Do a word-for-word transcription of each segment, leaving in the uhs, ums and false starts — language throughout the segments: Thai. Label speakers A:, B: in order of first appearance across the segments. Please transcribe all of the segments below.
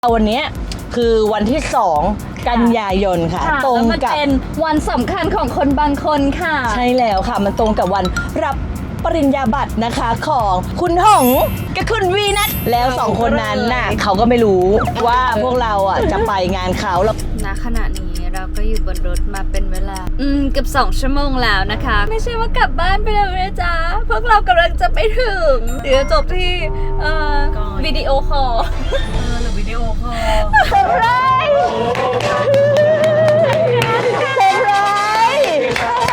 A: วันนี้คือวันที่สองกันยายนค่ะตรงกับ
B: เป็นวันสำคัญของคนบางคนค่ะ
A: ใช่แล้วค่ะมันตรงกับวันรับปริญญาบัตรนะคะของคุณหงกับคุณวีนัทแล้วสองคนนั้นน่ะเขาก็ไม่รู้ว่าพวกเราอ่ะจะไปงานเขาแล้ว
B: ณขณะนี้เราก็อยู่บนรถมาเป็นเวลาอืมเกือบสองชั่วโมงแล้วนะคะไม่ใช่ว่ากลับบ้านไปแล้วนะจ๊ะพวกเรากำลังจะไปถึงเดี๋ยวจบที่เอ่อวิดีโอคอล
A: หรือวิดีโอคอล
B: เซอร์ไพรส์
A: เซอร์ไพรส์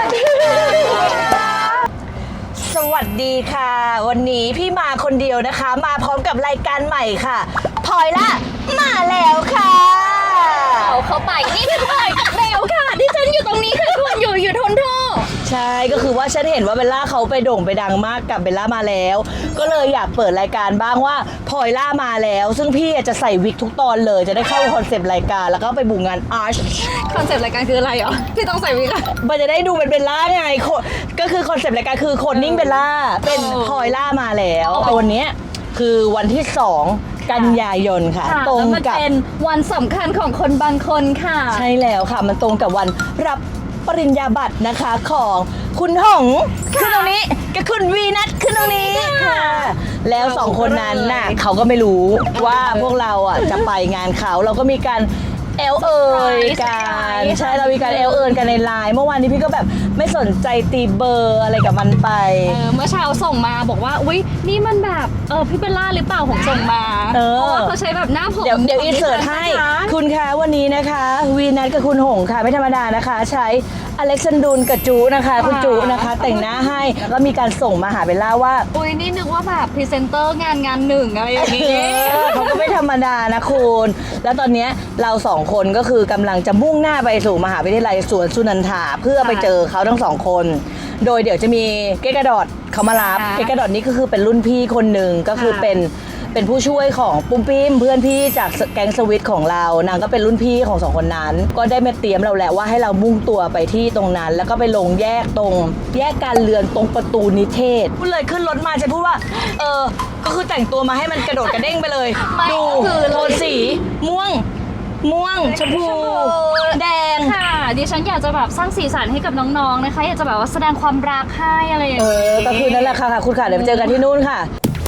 A: สวัสดีค่ะวันนี้พี่มาคนเดียวนะคะมาพร้อมกับรายการใหม่ค่ะพลอยละมาแล้วค่ะ
B: เอาเข้าไปนี่พี่พลอยกับเบลค่ะที่ฉันอยู่ตรงนี้คือคุณอยู่อยู่ทนโทษ
A: ใช่ก็คือว่าฉันเห็นว่าเบลล่าเขาไปโด่งไปดังมากกับเบลล่ามาแล้วก็เลยอยากเปิดรายการบ้างว่าพลอยล่ามาแล้วซึ่งพี่จะใส่วิกทุกตอนเลยจะได้เข้าคอนเซปต์รายการแล้วก็ไปบุกงานอาร์ช
B: คอนเซปต์รายการคืออะไรเหรอที่ต้องใส่วิกอะ
A: มันจะได้ดูเป็นเบลล่าไงก็คือคอนเซปต์รายการคือคนนิ่งเบลล่าเป็นพลอยล่ามาแล้วแต่วันนี้คือวันที่สองกันยายนค่ะ
B: ตรงกับเป็นวันสำคัญของคนบางคนค่ะ
A: ใช่แล้วค่ะมันตรงกับวันรับปริญญาบัตรนะคะของคุณหงขึ้นตรงนี้กับคุณวีนัทขึ้นตรงนี้ค่ะแล้วสองคนนั้นน่ะเขาก็ไม่รู้ว่าพวกเราอ่ะจะไปงานเขาเราก็มีการเอลเอิญกันใช่เรามีการเอลเอิญกันในไลน์เมื่อวานนี้พี่ก็แบบไม่สนใจตีเบอร์อะไรกับมันไป
B: เออเมื่อเช้าส่งมาบอกว่าอุ๊ยนี่มันแบบเออพี่เบลล่าหรือเปล่าผมส่งมาเพราะว่าเขาใช้แบบหน้าผม
A: เดี๋ยวเดี๋ยวอินเสิร์ตให้คุณคะวันนี้นะคะวีนัทกับคุณหงค่ะไม่ธรรมดานะคะใช้อเล็กซานดูนกับจูนะคะคุณจูนะคะแต่งหน้าให้แล้วก็มีการส่งมาหาเบลล่าว่า
B: อุ๊ยนี่นึกว่าแบบพรีเซนเตอร์งานงานหนึ่งอะไรอย่างนี้
A: เขาก็ไม่ธรรมดานะคุณแล้วตอนนี้เราสองคนก็คือกำลังจะมุ่งหน้าไปสู่มหาวิทยาลัยสวนสุนันทาเพื่อไปเจอเขาทั้งสองคนโดยเดี๋ยวจะมีเกกระดอดเขามารับเกกระดอดนี้ก็คือเป็นรุ่นพี่คนหนึ่งก็คือเป็นเป็นผู้ช่วยของปุ้มปิ้มเพื่อนพี่จากแก๊งสวิตของเรานางก็เป็นรุ่นพี่ของสองคนนั้นก็ได้มาเตรียมเราแหละว่าให้เรามุ่งตัวไปที่ตรงนั้นแล้วก็ไปลงแยกตรงแยกการเรือนตรงประตูนิเทศพูดเลยขึ้นรถมาจะพูดว่าเออก็คือแต่งตัวมาให้มันกระโดดกระเด้งไปเลยดูโทนสีม่วงม่วงชมพูแดง
B: ค่ะดิฉันอยากจะแบบสร้างสีสันให้กับน้องๆนะคะอยากจะแบบว่าแสดงความรักให้อะไรอย่างนี้
A: เออก็คือนั่นแหละค่ะคุณค่ะเดี๋ยวเจอกันที่นู่นค่ะ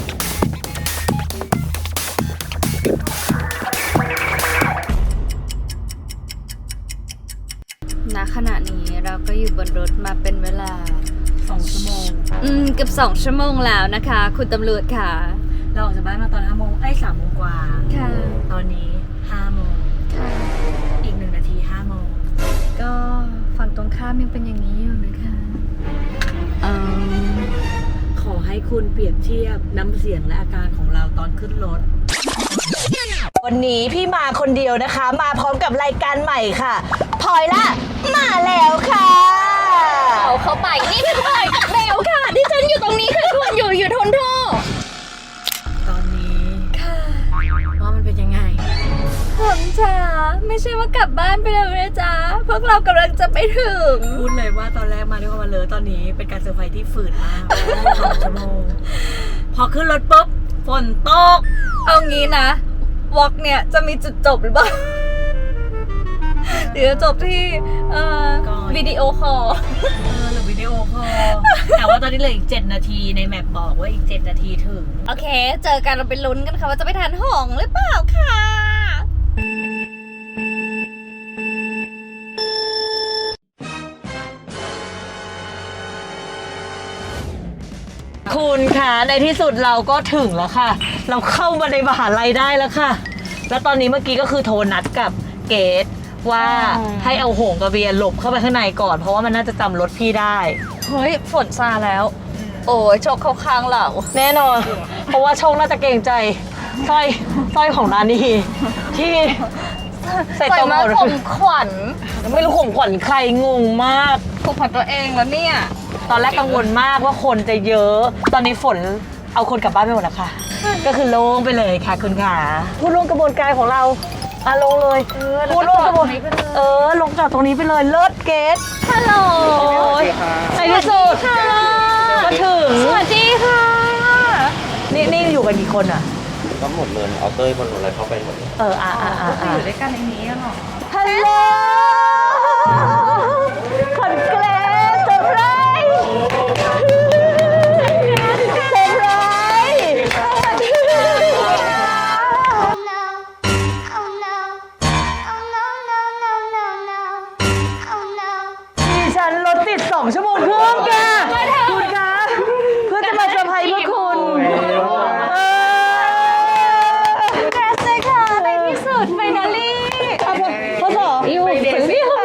B: ณขณะนี้เราก็อยู่บนรถมาเป็นเวลา
A: สองชั่วโมง
B: อืมเกือบสองชั่วโมงแล้วนะคะคุณตำรวจค่ะ
A: เราออกจากบ้านมาตอนห้าโมงไอ้สามโมงกว่า
B: ค่ะ
A: ตอนนี้ห้าโมง
B: ค่ะ
A: อีกหนึ่งนาทีห้าโมง
B: ก็ฝั่งตรงข้ามยังเป็นอย่างนี้อยู่นะคะ
A: เออขอให้คุณเปรียบเทียบน้ำเสียงและอาการของเราตอนขึ้นรถวันนี้พี่มาคนเดียวนะคะมาพร้อมกับรายการใหม่ค่ะพลอยละมาแล้วค่ะ
B: เอาเข้าไปนี่พี่พลอยกับเบลค่ะที่ฉันอยู่ตรงนี้คือคุณอยู่อยู่ทนโทษ
A: ตอนนี้
B: ค่ะ
A: ว่ามันเป็นยังไง
B: ผมจ๋าไม่ใช่ว่ากลับบ้านไปแล้วนะจ๊ะพวกเรากำลังจะไปถึง
A: พูดเลยว่าตอนแรกมาด้วยความมาเลยตอนนี้เป็นการเซอร์ไพรส์ที่ฝืดมากสองชั่วโมงพอขึ้นรถปุ๊บฝนตก
B: เอางี้นะวอล์กเนี่ยจะมีจุดจบหรือเปล่าเดี๋ยวจบที่เอ่อวิดีโอคอล
A: หรือวิดีโอคอลแต่ว่าตอนนี้เหลืออีกเจ็ดนาทีในแมปบอกว่าอีกเจ็ดนาทีถึง
B: โอเคเจอกันเราไปลุ้นกันค่ะว่าจะไปทานหงหรือเปล่าค่ะ
A: คุณคะในที่สุดเราก็ถึงแล้วค่ะเราเข้ามาในมหาลัยได้แล้วค่ะแล้วตอนนี้เมื่อกี้ก็คือโทรนัดกับเกดว่าให้เอาหงกับเบียร์หลบเข้าไปข้างในก่อนเพราะว่ามันน่าจะจำรถพี่ได้
B: เฮ้ยฝนซาแล้วโอ้ยโชคเข้าข้างเรา
A: แน่นอนเพราะว่าโชคน่าจะเกรงใจสร้อยสร้อยของนานีที่
B: ใส่ตัวมาข่มขวัญ
A: ไม่รู้ข่มขวัญใครงงมาก
B: ข่มขวัญตัวเองแล้วเนี่ย
A: ตอนแรกกังวลมากว่าคนจะเยอะตอนนี้ฝนเอาคนกลับบ้านไปหมดแล้วค่ะก็คือโล่งไปเลยค่ะคุณขาผู้ร่วมกระบวนการของเราอ่ะลงเลยผู้ร่วมกระบวนเออลงจอดตรงนี้ไปเลยเลิศเกส
B: ฮัลโหล
A: ในที่สุดก็ถึง
B: สวัสดีค่ะ
A: นี่นี่อยู่กันกี่คนอ่ะ
C: ก็หมดเลยเอาเต้ยบนอะไรเข้าไปหมดเลย
A: เอออ่ะอ่ะอ่ะ
B: จะอยู่ด้วยกันในนี้หรอ
A: ฮัลโหลคอนเกรสเซอร์ไพรส์เซอร์ไพรส์สวัสดีค่ะ
D: Oh no, oh no, oh no, no, no, no, no, oh no.
A: ดิฉันรถติดสองชั่วโมงครึ่งแกคุณคะเพื่อจะมาเซอร์ไพรส์เพื่อคุณเออ
B: แกสเลยค่ะในที่สุดไฟนอลลี่
A: พ่อสออยู่ถึงที่ค่ะ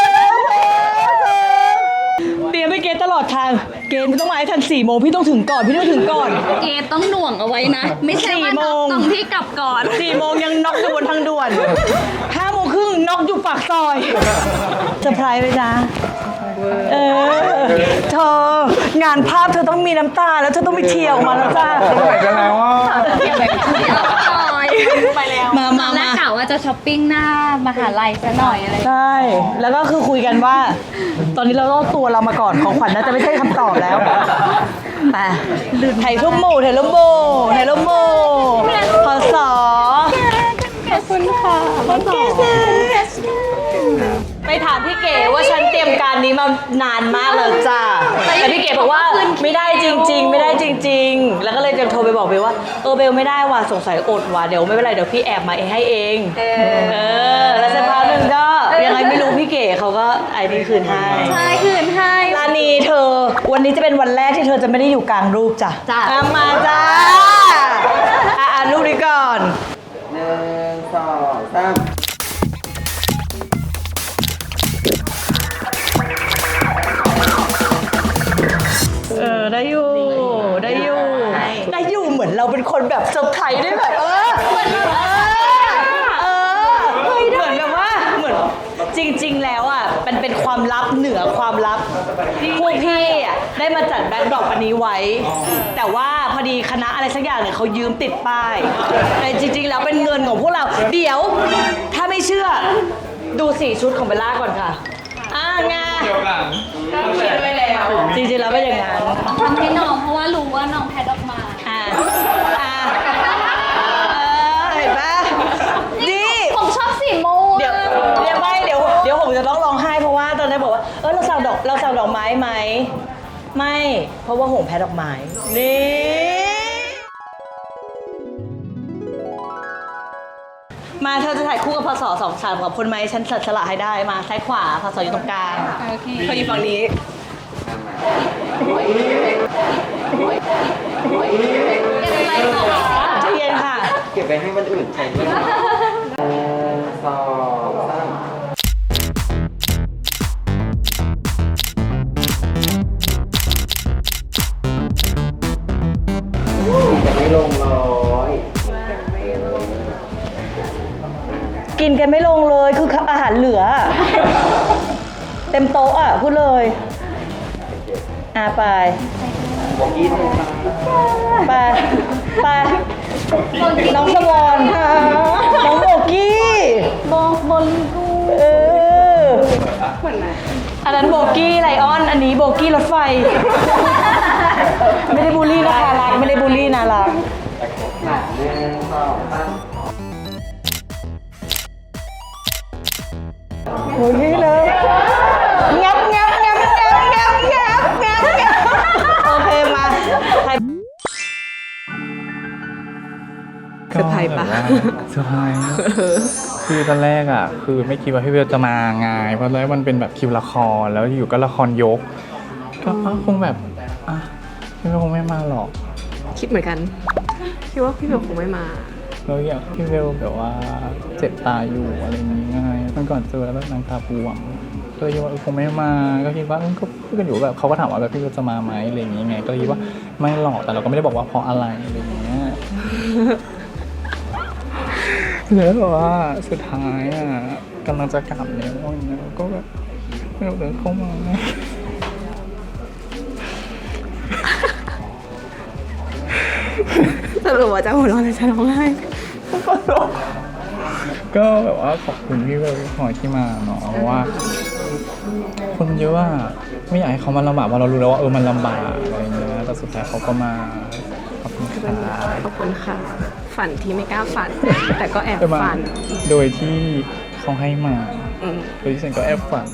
A: เตรียมไปเกณฑ์ตลอดทาง เกณฑ์ไม่ต้องมาให้ทันสี่โมงพี่ต้องถึงก่อน พี่ต้องถึงก่อน
B: เกต้องหน่วงเอาไว้นะ ไม่ใช่ว่า
A: สี่โมง
B: ตรงที่กลับก่อน
A: สี่โมงยังน็อกอยู่บนทางด่วนห้าโมงครึ่งน็อกอยู่ปากซอยเซอร์ไพรส์เลยนะเออเธองานภาพเธอต้องมีน้ำตาแล้วเธอต้องมีเที่ยวออกมาแล้วจ้า
E: ไหวกันแล้วอ่ะ
B: ไปแล้ว
A: มา
B: ต
A: มา
B: อนแรก
A: มาก
B: ะว่าจะช้อปปิ้งหน้ามหาลัยซะหน่อยอะไร
A: ใช่ แล้วก็คือคุยกันว่า ตอนนี้เราต้องเอาตัวเรามาก่อนของขวัญน่าจะไม่ใช่คำตอบแล้วไปไถ่ทุ่มหมู่ไถ่ลุ่มโบไถ่ลุ่มโบพศ
B: ขอบคุณค่ะ
A: โอเคไปถามพี่เก๋ว่าฉันเตรียมการนี้มานานมากเลยจ้าแต่พี่เก๋บอกว่าไม่ได้จริง ๆ ไม่ได้จริง ๆ แล้วก็เลยจะโทรไปบอกเบลว่าเออเบลไม่ได้ว่ะสงสัยอดว่ะเดี๋ยวไม่เป็นไรเดี๋ยวพี่แอบมาเองให้เองเออแล้วสักพักหนึ่งก็ยังไงไม่รู้พี่เก๋เขาก็ไอ้นี่คืนให้
B: ใช่คืนให้
A: ลานีเธอ วันนี้จะเป็นวันแรกที่เธอจะไม่ได้อยู่กลางรูปจ้ะ
B: จ้ะ
A: อ่ะมาจ้าอ่ะอ่านรูปนี้ก่อน
C: หนึ่งสองสาม
A: เออได้อยู่ได้อยู่ได้อยู่เหมือนเราเป็นคนแบบเซอร์ไพรส์ด้วยแบบเออเหมือนแบบเออเออเหมือนแบบว่าเหมือนจริง ๆ แล้วอ่ะมันเป็นความลับเหนือความลับพวกพี่อ่ะได้มาจัดแบ็คดรอปอันนี้ไว้ แต่ว่าพอดีคณะอะไรสักอย่างเนี่ยเขายืมติดป้ายแต่จริง ๆ แล้วเป็นเงินของพวกเราเดี๋ยวถ้าไม่เชื่อดูสี่ชุดของเบลล่าก่อนค่ะอ่างาจริงๆแล้วเป็นอย่างนั้น
B: ทำให้น้องเพราะว่ารู้ว่าน้องแพทออกมา
A: อ่าอ่าเออเห็นปะดี
B: ผมชอบสีม่วง
A: เดี๋ยวเดี๋ยวไม่เดี๋ยวเดี๋ยวผมจะต้องร้องไห้เพราะว่าตอนนั้นบอกว่าเออเราสั่งดอกเราสั่งดอกไม้ไหมไม่เพราะว่าหงแพ้ดอกไม้นี่มาเธอจะถ่ายคู่กับพศสองสามกับคนไหมฉันสัดสละให้ได้มาซ้ายขวาพศอยู่ตรงกลาง
B: โอเค
A: เขาอยู่ฝั่งนี้
B: อะไรต่อ
A: ใจเย็นค่ะ
C: เก็บไว้ให้วันอื่นใช้ด้วยนะหนึ่งสองสามจะไม่ลงร้อย
A: กินกันไม่ลงเลยคืออาหารเหลือ เต็มโต๊ะอ่ะพูดเลยอ่ะไป
C: บอกยี่สิบ
A: ไปไปน้องสวอนน้องโบกี้บอกบอลกูเอออันนั้นโบกี้ไลออนอันนี้โบกี้รถไฟ ไม่ได้บูลลี่นะคะรักไม่ได้บูลลี่นะรัก
C: หนึ่งสองสาม
A: โอ้ยเลยงับงับงับงับงับงับงับงับโอเคมาใคร
E: เซอร์ไพรส์ปะเซอร์ไพรส์คือตอนแรกอ่ะ คือไม่คิดว่าพี่เบลจะมาไงเพราะตอนแรกมันเป็นแบบคิวละครแล้วอยู่ก็ละครยก ก็คงแบบอ่ะพี่เบลคงไม่มาหรอก
F: คิดเหมือนกัน คิดว่าพี่เบลคงไม่มา
E: แล้วอยากพี่เบลแบบว่าเจ็บตาอยู่อะไรอย่างงี้ไงตอนก่อนเจอแล้วแบบนางตาบวมก็เลยคิดว่าเออคงไม่มาก็คิดว่าเออก็พูดกันอยู่แบบเขาก็ถามว่าแบบพี่เบลจะมาไหมอะไรอย่างงี้ไงก็เลยคิดว่าไม่หรอกแต่เราก็ไม่ได้บอกว่าเพราะอะไรอะไรอย่างเงี้ย แล้วแบบว่าสุดท้ายอ่ะกำลังจะกลับแล้วอย่างเงี้ยก็แบบไม่รู้เดินเข้ามาไง
F: สรุปว่าจะหัวเราะหรือจะร้องไห้
E: ก็แบบว่าขอบคุณพี่เบลพี่พลอยที่มาเนาะเพราะว่าคนเยอะอะไม่อยากให้เขามาลำบากเพราะเรารู้แล้วว่าเออมันลำบากอะไรเงี้ยแต่สุดท้ายเขาก็มาขอบคุณค่ะ
F: ขอบคุณค่ะฝันที่ไม่กล้าฝัน แต่ก็แอบ
E: ไปมา
F: ฝัน
E: โดยที่เขาให้มา
F: อืม
E: โดยที่ฉันก็แอบฝัน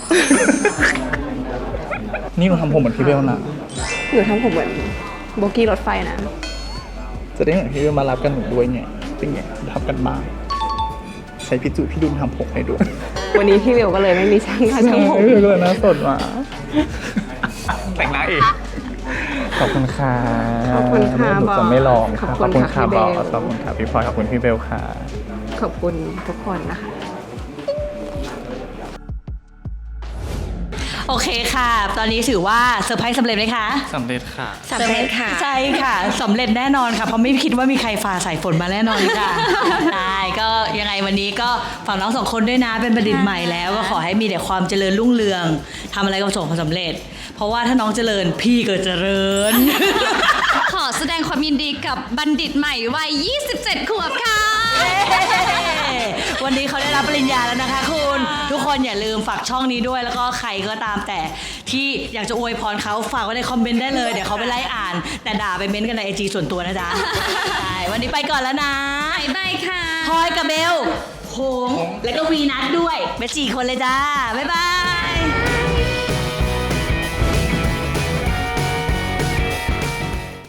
E: นี่เราทำผมเหมือนพี่เบลนะ
F: หนูทำผมเหมือนโบกี้รถไฟนะ
E: จะได้เหมือนพี่เบลมารับกันหนูด้วยไงเป็นไงทำกันบ้างใช้พี่จุพี่ดุลทำผมให้ด้วย
F: วันนี้พี่เบลก็เลยไม่มีช่างค่ะช่างผม
E: พี่เบลก็เลยหน่าสดมา แต่งหน้าเองขอบคุณค่ะ
F: ขอบคุณค่ะ
E: หนูจะไม่ลอง
F: ขอบ
E: ค่ะ
F: คุณ
E: ค่ะ
F: ค่ะพี่
E: บอ
F: เบล
E: สขอบคุณค่ะพี่พลอยขอบคุณพี่เบลค่ะ
F: ขอบคุณทุกคนนะคะ
A: โอเคค่ะ ตอนนี้ถือว่าเซอร์ไพรส์สำเร็จไหมคะ
E: สำเร็จค่ะ
F: สำเร็จค่ะ
A: ใช่ค่ะสำเร็จแน่นอนค่ะ เพราะไม่คิดว่ามีใครฝ่าสายฝนมาแน่นอนค่ะ ได้ก็ยังไงวันนี้ก็ฝากน้องสองคนด้วยนะเป็นบัณฑิตใหม่แล้วก็ขอให้มีแต่ความเจริญรุ่งเรืองทำอะไรก็ประสบความสำเร็จ เพราะว่าถ้าน้องเจริญพี่ก็เจริญ
B: ขอแสดงความยินดีกับบัณฑิตใหม่วัย ยี่สิบเจ็ด ขวบค่ะ
A: วันนี้เขาได้รับปริญญาแล้วนะคะคุณทุกคนอย่าลืมฝากช่องนี้ด้วยแล้วก็ใครก็ตามแต่ที่อยากจะอวยพรเขาฝากไว้ในคอมเมนต์ได้เลยเดี๋ยวเขาไปไล่อ่าน แต่ด่าไปเม้นต์กันในไอจีส่วนตัวนะจ๊ะ ใช่วันนี้ไปก่อนแล้วนะ
B: บ๊ายบายค่ะ
A: พลอยกับเบลโหงแล้วก็วีนัทด้วยไปสี่คนเลยจ้า บ๊ายบาย